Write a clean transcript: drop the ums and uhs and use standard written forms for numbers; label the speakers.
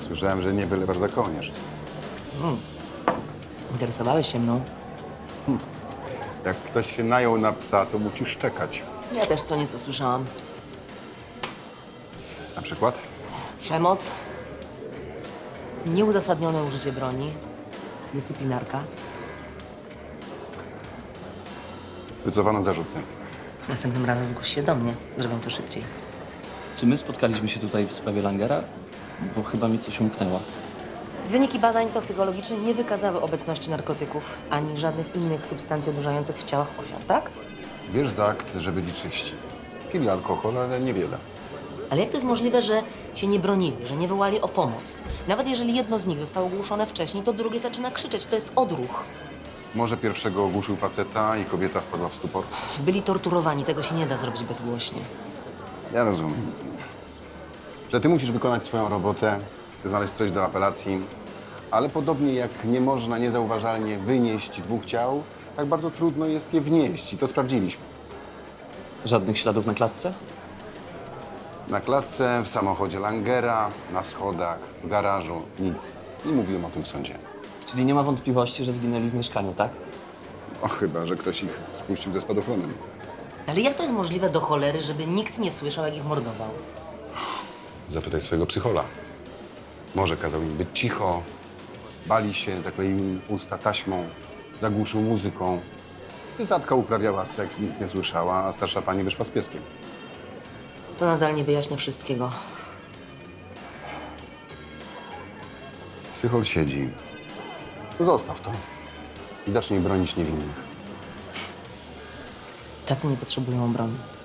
Speaker 1: Słyszałem, że nie wylewasz za kołnierz.
Speaker 2: Interesowałeś się mną.
Speaker 1: Jak ktoś się najął na psa, to musisz czekać.
Speaker 2: Ja też co nieco słyszałam.
Speaker 1: Na przykład?
Speaker 2: Przemoc, nieuzasadnione użycie broni, dyscyplinarka.
Speaker 1: Wycofano zarzuty.
Speaker 2: Następnym razem zgłoś się do mnie. Zrobię to szybciej.
Speaker 3: Czy my spotkaliśmy się tutaj w sprawie Langera? Bo chyba mi coś umknęło.
Speaker 2: Wyniki badań toksykologicznych nie wykazały obecności narkotyków ani żadnych innych substancji odurzających w ciałach ofiar, tak?
Speaker 1: Wiesz za akt, że byli czyści. Pili alkohol, ale niewiele.
Speaker 2: Ale jak to jest możliwe, że się nie bronili, że nie wołali o pomoc? Nawet jeżeli jedno z nich zostało ogłuszone wcześniej, to drugie zaczyna krzyczeć. To jest odruch.
Speaker 1: Może pierwszego ogłuszył faceta i kobieta wpadła w stupor?
Speaker 2: Byli torturowani, tego się nie da zrobić bezgłośnie.
Speaker 1: Ja rozumiem. Że ty musisz wykonać swoją robotę, znaleźć coś do apelacji, ale podobnie jak nie można niezauważalnie wynieść dwóch ciał, tak bardzo trudno jest je wnieść i to sprawdziliśmy.
Speaker 3: Żadnych śladów na klatce?
Speaker 1: Na klatce, w samochodzie Langera, na schodach, w garażu, nic. I mówiłem o tym w sądzie.
Speaker 3: Czyli nie ma wątpliwości, że zginęli w mieszkaniu, tak?
Speaker 1: O, chyba, że ktoś ich spuścił ze spadochronem.
Speaker 2: Ale jak to jest możliwe do cholery, żeby nikt nie słyszał, jak ich mordował?
Speaker 1: Zapytaj swojego psychola. Może kazał im być cicho, bali się, zakleił im usta taśmą, zagłuszył muzyką. Cysatka uprawiała seks, nic nie słyszała, a starsza pani wyszła z pieskiem.
Speaker 2: To nadal nie wyjaśnia wszystkiego.
Speaker 1: Psychol siedzi. Zostaw to i zacznij bronić niewinnych.
Speaker 2: Tacy nie potrzebują broni.